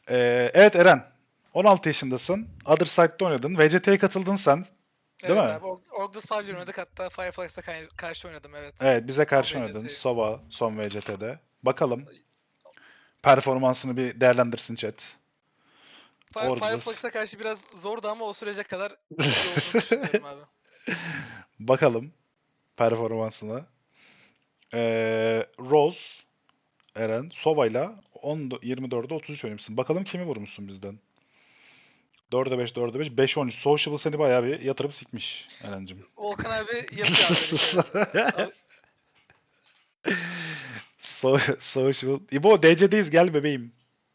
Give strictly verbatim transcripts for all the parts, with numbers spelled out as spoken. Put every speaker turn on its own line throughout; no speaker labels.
Ee, evet Eren. on altı yaşındasın. Other Side'da oynadın. V C T'ye katıldın sen. Değil
Evet
mi?
abi. Org Org'da Savcı oynadık. Hatta Fireflies'ta kay- karşı oynadım, evet.
Evet, bize
Son
karşı oynadın.
V C T'yi.
Sova son V C T'de. Bakalım. Performansını bir değerlendirsin chat.
Fi-
Orgulous.
Fireflies'a karşı biraz zordu ama o sürece kadar iyi olduğunu düşünüyorum abi.
Bakalım performansına. Ee, Rose, Eren, Sova'yla on yirmi dörde otuz üç oynamışsın. Bakalım kimi vurmuşsun bizden. dörde beş, dörde beş, beş on üç. Social seni bayağı bir yatırıp sikmiş Eren'cim.
Volkan abi yapıyor abi böyle şeyler. Abi,
So social. İbo D C'deyiz gel bebeğim.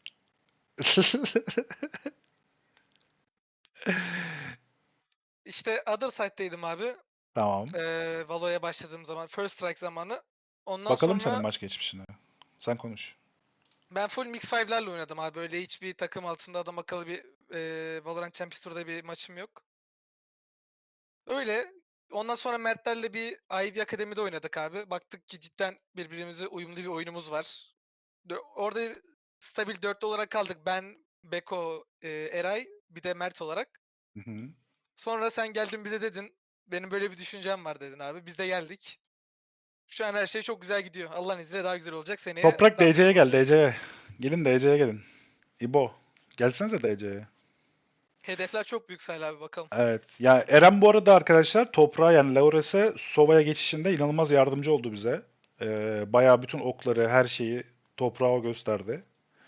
işte Other Side'daydım abi.
Tamam.
Ee, Valo'ya başladığım zaman. First Strike zamanı. Ondan
Bakalım senin
sonra
maç geçmişine. Sen konuş.
ben full Mix beş'lerle oynadım abi. Böyle hiçbir takım altında adam akıllı bir e, Valorant Champions Tour'da bir maçım yok. Öyle. Ondan sonra Mertlerle bir Ivy Akademi'de oynadık abi. Baktık ki cidden birbirimize uyumlu bir oyunumuz var. Dö- Orada stabil dörtlü olarak kaldık. Ben, Beko, e, Eray, bir de Mert olarak.
Hı hı.
Sonra sen geldin bize dedin. Benim böyle bir düşüncem var dedin abi. Biz de geldik. Şu an her şey çok güzel gidiyor. Allah'ın izniyle daha güzel olacak. Seneye
Toprak
dambayı
D C'ye gel
vuracağız.
D C'ye. Gelin D C'ye gelin. İbo. Gelsenize D C'ye.
Hedefler çok büyük Salih abi, bakalım.
Evet. Ya Eren bu arada arkadaşlar Toprağa yani Laures'e Sova'ya geçişinde inanılmaz yardımcı oldu bize. Ee, bayağı bütün okları, her şeyi Toprağa gösterdi.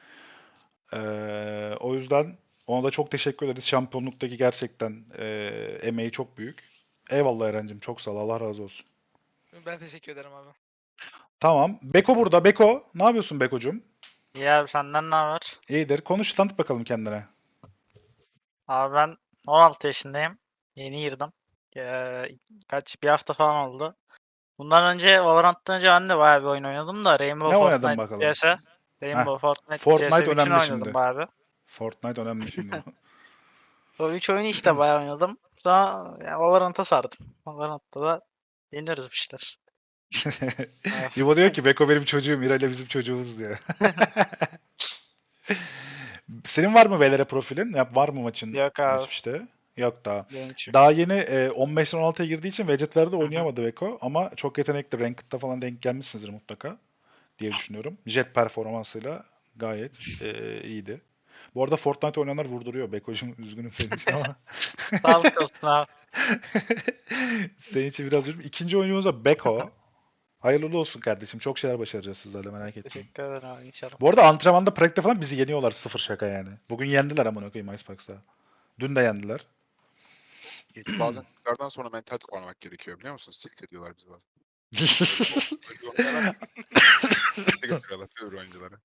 Ee, o yüzden ona da çok teşekkür ederiz. Şampiyonluktaki gerçekten e, emeği çok büyük. Eyvallah Eren'cim. Çok sağ ol. Allah razı olsun.
Ben teşekkür ederim abi.
Tamam. Beko burada. Beko. Ne yapıyorsun Beko'cum?
İyi abi, senden ne haber?
İyidir. Konuş tanıt bakalım kendine.
Abi ben on altı yaşındayım. Yeni girdim. Ee, kaç bir hafta falan oldu. Bundan önce Valorant'tan önce ben de bayağı bir oyun oynadım da
Ne
Rainbow
oynadın
Fortnite
bakalım?
C S.
Heh.
Rainbow Fortnite C S
Fortnite
üçün
önemli
oynadım
şimdi.
bayağı bir.
Fortnite önemli şimdi.
O üç oyunu işte bayağı oynadım. Sonra yani Valorant'a sardım. Valorant'ta da deniyoruz bir şeyler. Abi.
İbo diyor ki Beko benim çocuğum, İrayla bizim çocuğumuz diyor. Senin var mı Velere profilin? Ya, var mı maçın
Yok abi.
geçmişte? Yok daha.
Benim için.
Daha yeni e, on beşten on altıya girdiği için Vecet'lerde
Hı hı.
oynayamadı Beko ama çok yetenekli. Ranked'da falan denk gelmişsinizdir mutlaka diye düşünüyorum. Jet performansıyla gayet e, iyiydi. Bu arada Fortnite oynayanlar vurduruyor. Beko'cum üzgünüm senin için ama.
Sağlık olsun abi.
Senin için biraz üzüldüm. İkinci oyuncumuz da Beko. Hayırlı uğurlu olsun kardeşim. Çok şeyler başaracağız sizlerle merak etmeyin.
Teşekkür ederim abi, inşallah.
Bu arada antrenmanda pratikte falan bizi yeniyorlar sıfır şaka yani. Bugün yendiler amına koyayım Icebox'ta. Dün de yendiler.
Çünkü bazen Türklerden sonra mental toparlamak gerekiyor, biliyor musunuz? Tilt ediyorlar bizi bazen. Öyle bir oynuyorlar ki. Tilt'e getiriyorlar öbür oyuncuları.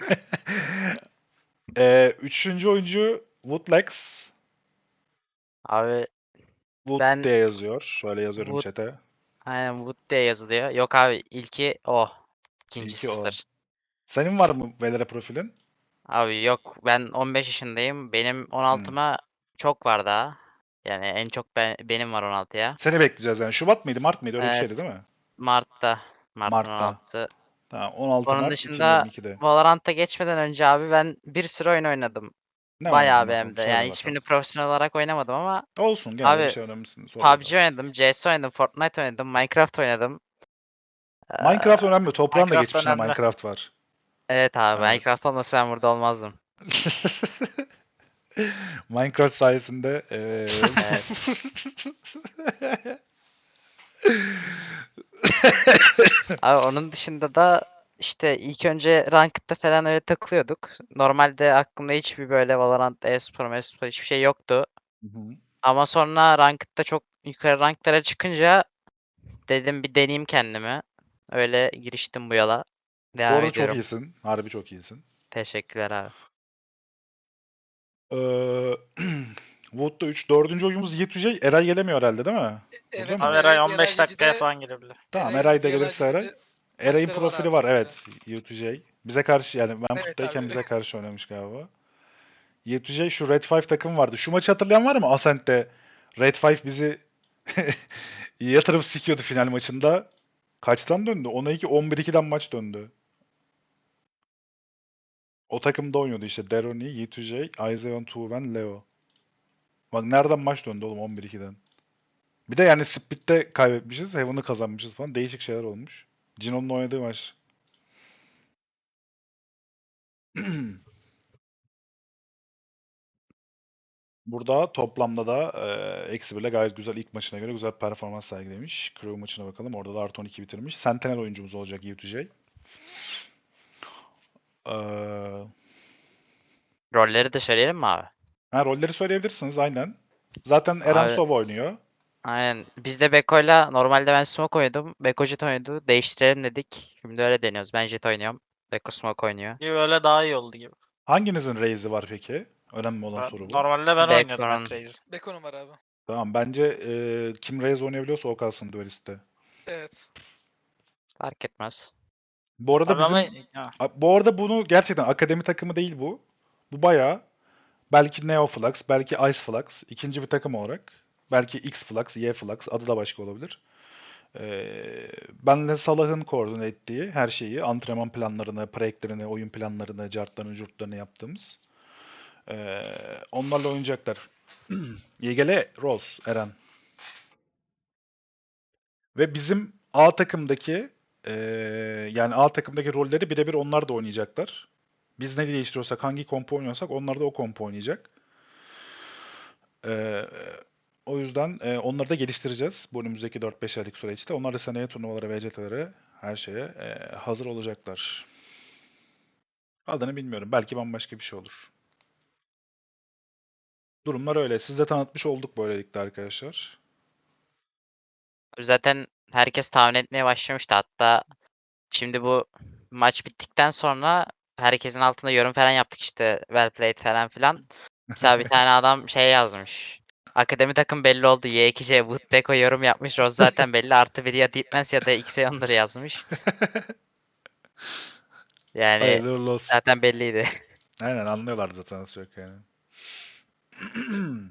Ee, üçüncü oyuncu Woodlex.
Abi
Wood
ben
diye yazıyor. Şöyle yazıyorum
Wood,
chat'e.
aynen Wood diye yazılıyor. Yok abi, ilki o. İkincisi
İlki o.
sıfır.
Senin var mı Velere profilin?
Abi yok, ben on beş yaşındayım. Benim on
Hmm.
altıma çok var daha. Yani en çok ben, benim var on altıya.
Seni bekleyeceğiz yani. Şubat mıydı, Mart mıydı? Öyle bir
Evet,
şeydi değil mi?
Mart'ta. Mart'ın
Mart'ta.
on altısı.
Tamam. on altı
Onun
Mart
dışında
iki bin yirmi ikide.
Valorant'a geçmeden önce abi ben bir sürü oyun oynadım.
Ne
Bayağı
oynadın
bir hem
bakalım?
de.
Söyle
Yani
bakalım.
hiçbirini profesyonel olarak oynamadım ama
Olsun gene de bir
abi
şey önemlisin. Sor
P U B G
bakalım.
oynadım, C S oynadım, Fortnite oynadım, Minecraft oynadım. Ee,
Minecraft önemli. Toprağın da
Minecraft
geçmişinde
önemli.
Minecraft var.
Evet abi,
Evet.
Minecraft olmasa ben burada olmazdım.
Minecraft sayesinde eee
Evet. Abi onun dışında da işte ilk önce Ranked'da falan öyle takılıyorduk. Normalde aklımda hiçbir böyle Valorant, e-spor, e-spor hiçbir şey yoktu.
Hı hı.
Ama sonra Ranked'da çok yukarı ranklara çıkınca dedim bir deneyeyim kendimi. Öyle giriştim bu yola.
Bu
Devam
arada çok
ediyorum.
iyisin. Harbi çok iyisin.
Teşekkürler abi.
Ee, Wood'da üç. Dördüncü oyunumuz Yiğit Yücey. Eray gelemiyor herhalde değil mi? Burada
Evet
mı?
abi,
Abi Eray
Eray,
on beş dakikaya
Eray
falan gelebilir.
Tamam
Eray'ın
Eray da
V L
gelirse Eray.
G C'de
Eray'in
maçları var
profili
abi,
var
çok güzel.
evet. Yiğit Yücey. Bize karşı yani ben
Evet
puttayken
abi.
bize karşı oynamış galiba. Yiğit Yücey şu Red Five takım vardı. Şu maçı hatırlayan var mı? Ascent'te Red Five bizi yatırıp sikiyordu final maçında. Kaçtan döndü? on iki on bir ikiden maç döndü. O takımda oynuyordu işte. Deroni, Yituje, Aizeon Tuven, Leo. Bak nereden maç döndü oğlum on bir ikiden. Bir de yani Split'te kaybetmişiz. Heaven'ı kazanmışız falan. Değişik şeyler olmuş. Cino'nun oynadığı maç. Burada toplamda da e, eksi birle gayet güzel ilk maçına göre güzel performans sergilemiş. Crew maçına bakalım. Orada da artı on iki bitirmiş. Sentinel oyuncumuz olacak Yituje. Ee,
Rolleri de söyleyelim mi abi?
ha, rolleri söyleyebilirsiniz aynen. Zaten Eren
Abi,
Sova oynuyor.
aynen. Biz de Beko'yla normalde ben Smoke oynadım. Beko Jet oynadı. Değiştirelim dedik. Şimdi öyle deniyoruz. Ben Jet oynuyorum. Beko Smoke oynuyor.
Gibi böyle daha iyi oldu gibi.
Hanginizin Raze'i var peki? Önemli olan
Ben-
soru bu.
normalde ben oynuyordum
Beko'nun-
hep Raze'i.
Beko'nun var abi.
Tamam bence e, kim Raze oynayabiliyorsa o kalsın dueliste.
Evet.
Fark etmez.
Bu arada
Abi ama
bizim
ha,
A- bu arada bunu gerçekten akademi takımı değil bu. Bu bayağı belki Neo Flux, belki Ice Flux, ikinci bir takım olarak. Belki X Flux, Y Flux, adı da başka olabilir. Ee, benle Salah'ın koordine ettiği her şeyi, antrenman planlarını, projeklerini, oyun planlarını, cartlarını, curtlarını yaptığımız. Ee, onlarla oynayacaklar. Y G L, Rose, Eren. Ve bizim A takımdaki eee, yani A takımdaki rolleri birebir onlar da oynayacaklar. Biz ne değiştiriyorsak, hangi kompo oynuyorsak onlar da o kompo oynayacak. Eee, o yüzden eee, onları da geliştireceğiz bu önümüzdeki dört beş aylık süreçte. Onlar da seneye turnuvalara, V C T'lere, her şeye eee, hazır olacaklar. Adını bilmiyorum. Belki bambaşka bir şey olur. Durumlar öyle. Siz de tanıtmış olduk böylelikle arkadaşlar.
Zaten herkes tahmin etmeye başlamıştı. Hatta şimdi bu maç bittikten sonra herkesin altında yorum falan yaptık işte. Well played falan filan. Mesela bir tane adam şey yazmış. Akademi takım belli oldu. Y iki J Wood Beko yorum yapmış. Rose zaten belli. Artı bir ya Deepmans ya da Xeon'dur yazmış. Yani
Hayırlı uğurlu olsun.
zaten belliydi.
Aynen anlıyorlar zaten nasıl yok yani.